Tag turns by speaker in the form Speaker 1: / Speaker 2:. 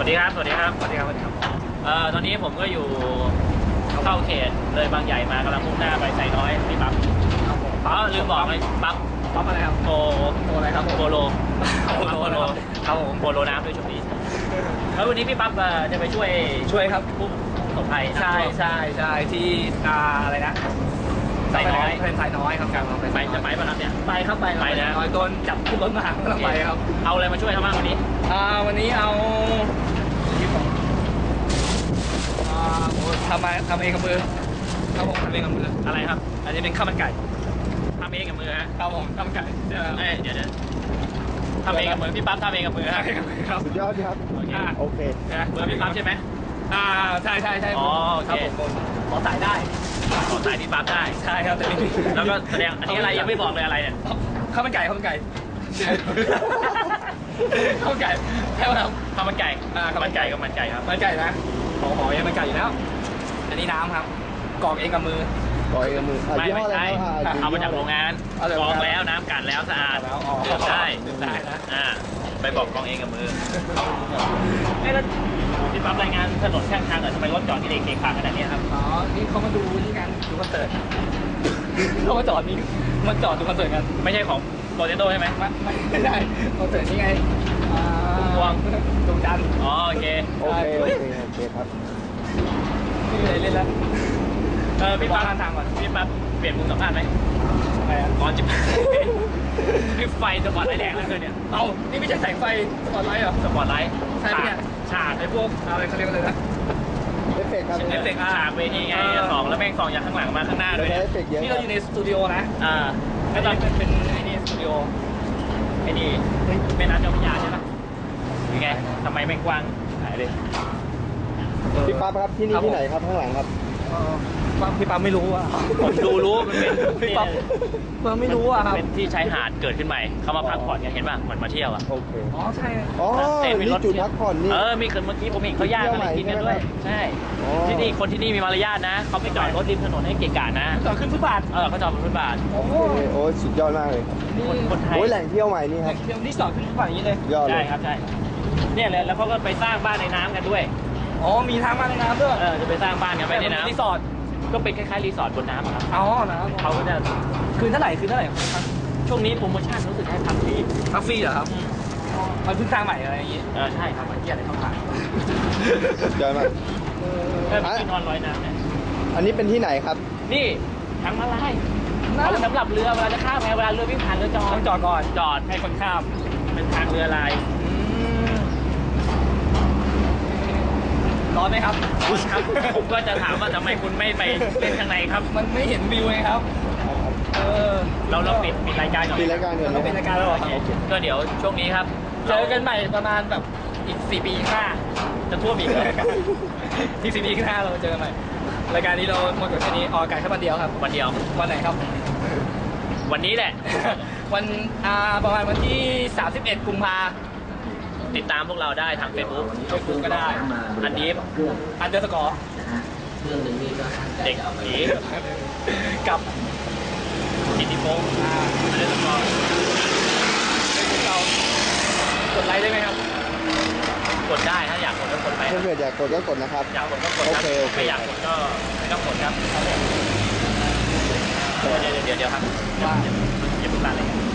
Speaker 1: วัสดีครับสวัสดีครับสวัสดีครับตอนนี้ผมก็อยู่เข้าเขตเลยบางใหญ่มากำลังมุ่งหน้าไปไซน้อยที่ปั๊บลืมบอกเลยปั๊บ
Speaker 2: อะไรครับ
Speaker 1: โปอะไรครับโปโล
Speaker 2: ครับผม
Speaker 1: โปโลน้ำด้วยชุดนี้แล้ววันนี้พี่ปั๊บจะไปช่วยครับผู้ประสบภัย
Speaker 2: ใช่ที่อะไรนะ
Speaker 1: ไซน้อย
Speaker 2: เป็นไซน้อยครับการ
Speaker 1: ไปจะไปป่ะครับเนี่ย
Speaker 2: ไปครับไป
Speaker 1: นะ
Speaker 2: น้อยโดนจับขึ้นรถมาก็ต้องไปครับ
Speaker 1: เอาอะไรมาช่วยทำบ้างวันนี้
Speaker 2: วันนี้เอาทำเองกับมือครับผมทำเองกับมือ
Speaker 1: อะไรครับ
Speaker 2: อันนี้เป็นข้าวมันไก่
Speaker 1: ทำเองกับมือฮะ
Speaker 2: ครับผมข้าวมันไก่
Speaker 1: เดี๋ยวทำเองกับมือพี่ปั๊บทำเองกับมือ
Speaker 2: ครับ
Speaker 3: สุดยอดครับโอเค
Speaker 1: นะมือพี่ปั๊บใช่ไหม
Speaker 2: ใช่
Speaker 1: อ๋อโอเค
Speaker 2: ขอสายได้
Speaker 1: ขอสายพี่ปั๊บได้
Speaker 2: ใช่ครับแต่นี่
Speaker 1: แล้วก็แสดงอันนี้อะไรยังไม่บอกเลยอะไรเนี่ย
Speaker 2: ข้าวมันไก่ใช่ไหมครับ
Speaker 1: ข้าวมันไก่กับมันไก่ครับ
Speaker 2: มันไก่นะหอยังมันไก่อยู่แล้วอันนี้น้ำครับกรอกเองกับมือ
Speaker 1: ไม่ใช่เอามาจากโรงงานกรองแล้วน้ำกันแล้วสะอาด
Speaker 2: ได้
Speaker 1: นะไปบอกกรองเองกับมือแล้วพี่ปั๊บรายงานถนนข้างทางหน่อยทำไมรถจอดที่เด็กๆขนาดนี้ครับ
Speaker 2: นี่เขามาดูนี่กันดูคอนเสิร์ตเขามาจอดดูคอนเสิร์ตกัน
Speaker 1: ไม่ใช่ของโปรเจโต้ใช่ไหม
Speaker 2: ไม่ได้คอนเสิร์ตนี่ไง
Speaker 1: พวง
Speaker 2: ดวงจันทร์
Speaker 1: โอเค
Speaker 3: ครับ
Speaker 2: นี่เลยเล่นแล้ว
Speaker 1: พี่ปั๊บทางก่อนพี่ปั๊บเปลี่ยนมุมสัมภาษณ์ไหมก่อนจะพี่ไฟสปอตไลท์แดงแล้วเลยเนี่ย
Speaker 2: นี่ไม่ใช่แสงไฟสปอตไลท์เหรอ
Speaker 1: สปอตไลท์
Speaker 2: ใช่เนี่ย
Speaker 1: ฉากไอ้พวก
Speaker 2: อะไรเขาเรียกอะไรนะ
Speaker 3: เอฟเฟกต์ครับ
Speaker 1: เอฟเฟกต์ฉากเวทีไงสองแล้วแม่งสองจากข้างหลังมาข้างหน้าด้วย
Speaker 2: นี่เราอยู่ในสตูดิโอนะ
Speaker 1: แล้วตอน
Speaker 2: เป็นไอ้นี่สตูดิโอ
Speaker 1: ไอ้นี่เป็นน้ำเจ้าพระยาใช่ไหมยังไงทำไมไม่กว้างหายเลย
Speaker 3: พี่ปั๊บครับที่นี่ที่ไหนครับข้างหลังครับ
Speaker 2: พี่ปั๊บไม่รู้อ่ะ
Speaker 1: ผมรู้มันเป็น
Speaker 2: พี่ปั๊บไม่รู้อ่ะครับ
Speaker 1: เป็นที่ชายหาดเกิดขึ้นใหม่เขามาพักผ่อนกันเห็นป่ะเหมือนมาเที่ยวอ่ะ
Speaker 3: โอเค
Speaker 2: ใช่
Speaker 3: นี่จุดพักผ่อนนี่
Speaker 1: มีเมื่อกี้ผมเห็นเขาย่างอะไรกินกันด้วยใช่ที่นี่คนที่นี่มีมารยาทนะเขาไม่จอดรถริมถนนให้เกะกะนะ
Speaker 2: จอดขึ้นฟุตบาท
Speaker 1: เขาจอดบนฟุตบาท
Speaker 3: โอ้สุดยอดมากเลย
Speaker 1: คนไทย
Speaker 3: แหล่งเที่ยวใหม่นี่ครับ
Speaker 2: เที่ยวนี่จอดขึ้นฟุตบาทอย่างนี้เลย
Speaker 1: ใช่ครับใช่เนี่ยเลยแล้วเขาก็ไปสร้างบ้านในน้ำกันด้วย
Speaker 2: มีทางบ้านในน้ำด้วย
Speaker 1: จะไปสร้างบ้านกันไปในน้ำ
Speaker 2: รีสอร์ท
Speaker 1: ก็เป็นคล้ายๆรีสอร์ทบนน้ำครับ
Speaker 2: นะ
Speaker 1: เขาก็จะ
Speaker 2: คืนเท่าไหร่
Speaker 1: ช่วงนี้โปรโมชั่นรู้สึกให้พักฟ
Speaker 2: รีเหรอครับมันเพิ่งสร้างใหม่อะไรอย่างงี้
Speaker 1: ใช่ครับเที่ยวอะไรเข้ามา
Speaker 3: เจอมา
Speaker 1: ที่นอนลอยน้ำเนี่ย
Speaker 3: อันนี้เป็นที่ไหนครับ
Speaker 1: นี่ทางมาลายเอาสำหรับเรือเวลาจะข้ามเวลาเรือวิ่งผ่านเรือ
Speaker 2: ต้องจอดก่อน
Speaker 1: จอด
Speaker 2: ให้คนข้าม
Speaker 1: เป็นทางเรือลาย
Speaker 2: ร้อนไหมครับ
Speaker 1: ผมก็จะถามว่าทำไมคุณไม่ไปเล่นข้างในครับ
Speaker 2: มันไม่เห็นวิวไงครับ
Speaker 1: เราปิดรายการก่อน
Speaker 3: ปิดรายการ
Speaker 2: เราปิดรายการแล้วเหรอ
Speaker 1: ก็เดี๋ยวช่วงนี้ครับ
Speaker 2: เจอกันใหม่ประมาณแบบอีก4 ปีข้างหน้า
Speaker 1: จะท่วมอีก
Speaker 2: ที่4 ปีข้างหน้าเราเจอกันใหม่รายการนี้เราหมดกับแค่นี้ออกอากาศแค่วันเดียวครับ
Speaker 1: วัน
Speaker 2: ไหนครับ
Speaker 1: วันนี้แหละ
Speaker 2: วันประมาณวันที่31 กุมภา
Speaker 1: ติดตามพวกเราได้ทาง Facebook
Speaker 2: ก็ได้
Speaker 1: อันนี้
Speaker 2: _
Speaker 1: เด็กผี
Speaker 2: กับ
Speaker 1: กิติพงศ์
Speaker 2: เรากดไลค์ได้ไหมครับ
Speaker 1: กดได้ถ้าอยากกดก็กดไป
Speaker 3: ถ้าเกิดอยากกดก็กดนะครับ
Speaker 1: อยากกดก็กดครับไม่อยากกดก็ไม่ต้องกดครับเดี๋ยวครับอย่าเพิ่งลาเลย